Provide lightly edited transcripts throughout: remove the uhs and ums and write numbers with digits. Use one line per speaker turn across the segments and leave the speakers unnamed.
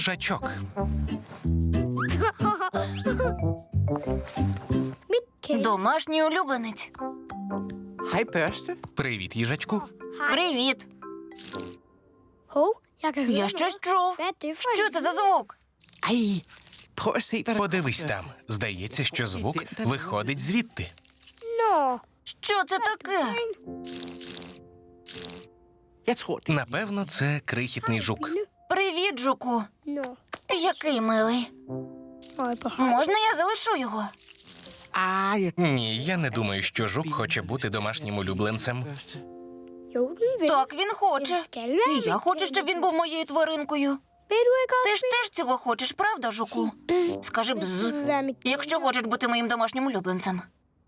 Їжачок.
Домашній улюбленець.
Hej, børste.
Привіт, їжачку.
Привіт.
Я
Я щось чув. Що це за звук?
Ej, prøv at se, hvad der
Подивись там. Здається, що звук виходить звідти.
Що це таке?
Jeg tror, det
Напевно, це крихітний жук.
Привіт, жуку. Який милий. Можна я залишу його?
jeg...
Ні, я не думаю, що жук хоче бути домашнім улюбленцем.
Так, він хоче. І я хочу, щоб він був моєю тваринкою. Ти ж теж цього хочеш, правда, жуку? Скажи бзз, якщо хочеш бути моїм домашнім улюбленцем.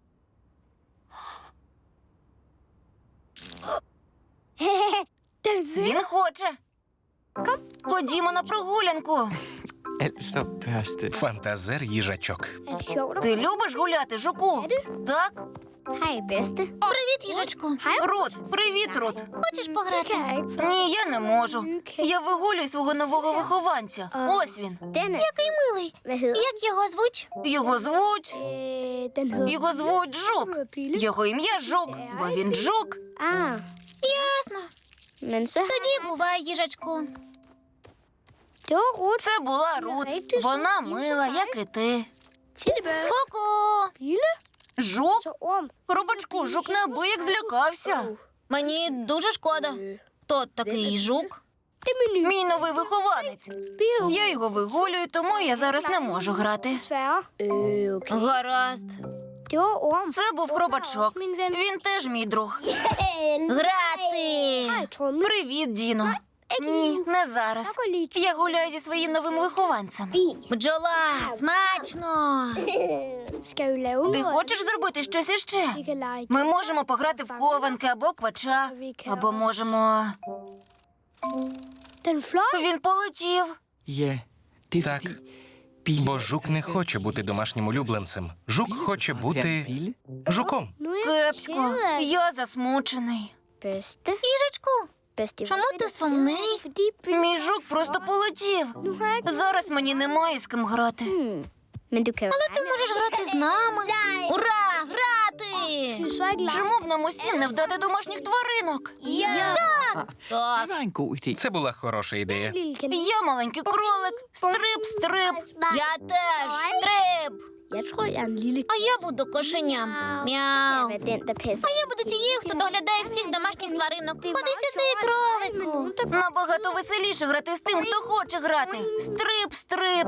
Він хоче. Ходімо на прогулянку.
Altså, børste.
Фантазер їжачок.
Ти любиш гуляти, жуку? Так?
Привіт, їжачку.
Рут, привіт, Рут.
Хочеш пограти?
Ні, я не можу. Я вигулюю свого нового вихованця. Ось він.
Який милий. Як його звуть?
Його звуть Жук. Його ім'я Жук, бо він жук.
Ясно. Тоді бувай, їжачку.
Це була Рут. Вона мила, як і ти.
Ку-ку.
Жук? Робочку, жук неабияк злякався.
Мені дуже шкода. Хто такий жук?
Мій новий вихованець. Я його вигулюю, тому я зараз не можу грати.
Гаразд.
Це був хробачок. Він теж мій друг.
Грати.
Привіт, Діно. Ні, не зараз. Я гуляю зі своїм новим вихованцем.
Бджола, смачно.
Ти хочеш зробити щось іще? Ми можемо пограти в хованки або квача, або можемо... Він полетів.
Ja, det er
Так.
fordi... Bille...
Бо жук не хоче бути домашнім улюбленцем. Жук хоче
Være
бути
Bille?
жуком.
Кепсько, я засмучений.
Їжачку, чому ти сумний?
Мій жук просто полетів. Зараз мені немає з ким грати.
Але ти можеш грати з нами. Ура, грати!
Чому б нам усім не вдати домашніх тваринок?
Так.
Det var en god idé.
Це була хороша ідея.
Я маленький кролик. Стрип, стрип.
Я теж. Стрип. А я буду кошеням. Мяу. А я буду тією, хто доглядає всіх домашніх тваринок. Ходи сюди, кролику.
Набагато веселіше грати з тим, хто хоче грати. Стрип, стрип.